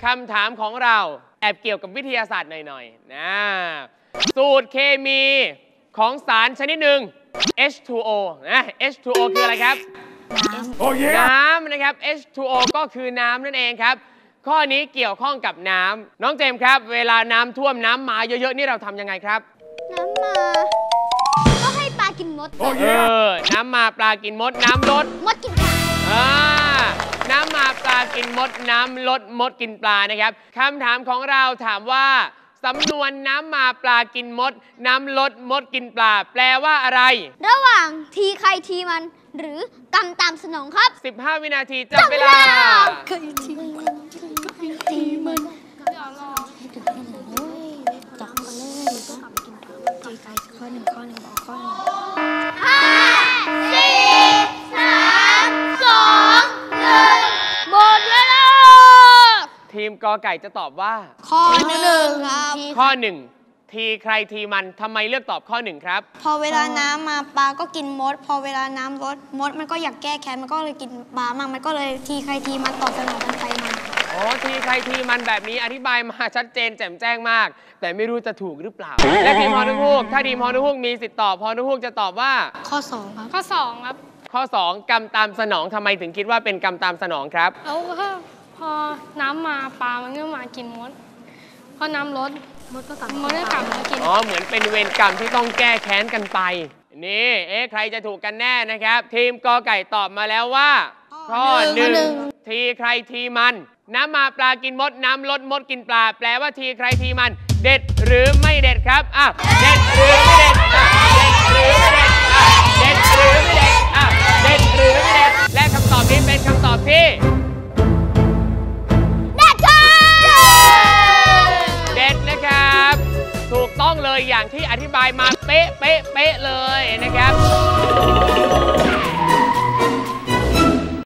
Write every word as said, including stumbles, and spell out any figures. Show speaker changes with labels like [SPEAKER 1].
[SPEAKER 1] ำถามของเราแอบเกี่ยวกับวิทยาศาสตร์หน่อยๆนะสูตรเคมีของสารชนิดหนึ่ง เอช ทู โอ นะ เอช ทู โอ คืออะไรครับน้ำนะครับ เอช ทู โอ ก็คือน้ำนั่นเองครับข้อนี้เกี่ยวข้องกับน้ำน้องเจมส์ครับเวลาน้ำท่วมน้ำมาเยอะๆนี่เราทำยังไงครับ
[SPEAKER 2] น้ำมาก็ให้ปลากินมดเอ
[SPEAKER 1] อน้ำมาปลากินมดน้ำลด
[SPEAKER 2] มดกินปลา
[SPEAKER 1] อ่าน้ำมาปลากินมดน้ำลดมดกินปลานะครับคำถามของเราถามว่าสำนวนน้ำมาปลากินมดน้ำลดมดกินปลาแปลว่าอะไร
[SPEAKER 2] ระหว่างทีใครทีมันหรือกรรมตามสนองครับ
[SPEAKER 1] สิบห้าวินาทีจับเวลา
[SPEAKER 2] ใครทีมันใครทีมันจับมาเลยทีใครข้อหนึ่งข้อหนึ่งบอกข้อหนึ่งห้าสี่สามสองหนึ่งหมดเวลา
[SPEAKER 1] ทีมกอไก่จะตอบว่า
[SPEAKER 2] ข้อหนึ่งครับ
[SPEAKER 1] ข้อหนึ่งทีใครทีมันทำไมเลือกตอบข้อหนึ่งครับ
[SPEAKER 2] พอเวลาน้ำมาปลาก็กินมดพอเวลาน้ำลดมดมันก็อยากแก้แค้นมันก็เลยกินปลามากมันก็เลยทีใครทีมันตอบสนองกันไปมา
[SPEAKER 1] อ๋อทีใครทีมันแบบนี้อธิบายมาชัดเจนแจ่มแจ้งมากแต่ไม่รู้จะถูกหรือเปล่าและทีมพอนุฮูกถ้าทีมพอนุฮูกมีสิทธิ์ตอบพอนุฮูกจะตอบว่า
[SPEAKER 2] ข้อสองครับ
[SPEAKER 3] ข้อสองครับ
[SPEAKER 1] ข้อสองกรรมตามสนองทำไมถึงคิดว่าเป็นกรรมตามสนองครับ
[SPEAKER 3] แล้วก็พอน้ำมาปลามันก็มากินมดพอน้ำลดมดก็กลับมดก็กลับมากิน
[SPEAKER 1] อ๋อเหมือนเป็นเวรกรรมที่ต้องแก้แค้นกันไปนี่เอ๊ะใครจะถูกกันแน่นะครับทีมกอไก่ตอบมาแล้วว่าข้อหนึ่งทีใครทีมันน้ำมาปลากินมดน้ำลดมดกินปลาแปลว่าทีใครทีมันเด็ดหรือไม่เด็ดครับอ่ะเด็ดหรือไม่เด็ดอ่ะเด็ดหรือไม่เด็ดอ่ะเด็ดหรือไม่เด็ดอ่ะเด็ดหรือไม่เด็ดและคำตอบนี้เป็นคำตอบที่เด็ดนะครับถูกต้องเลยอย่างที่อธิบายมาเป๊ะเป๊ะเป๊ะเลยนะครับ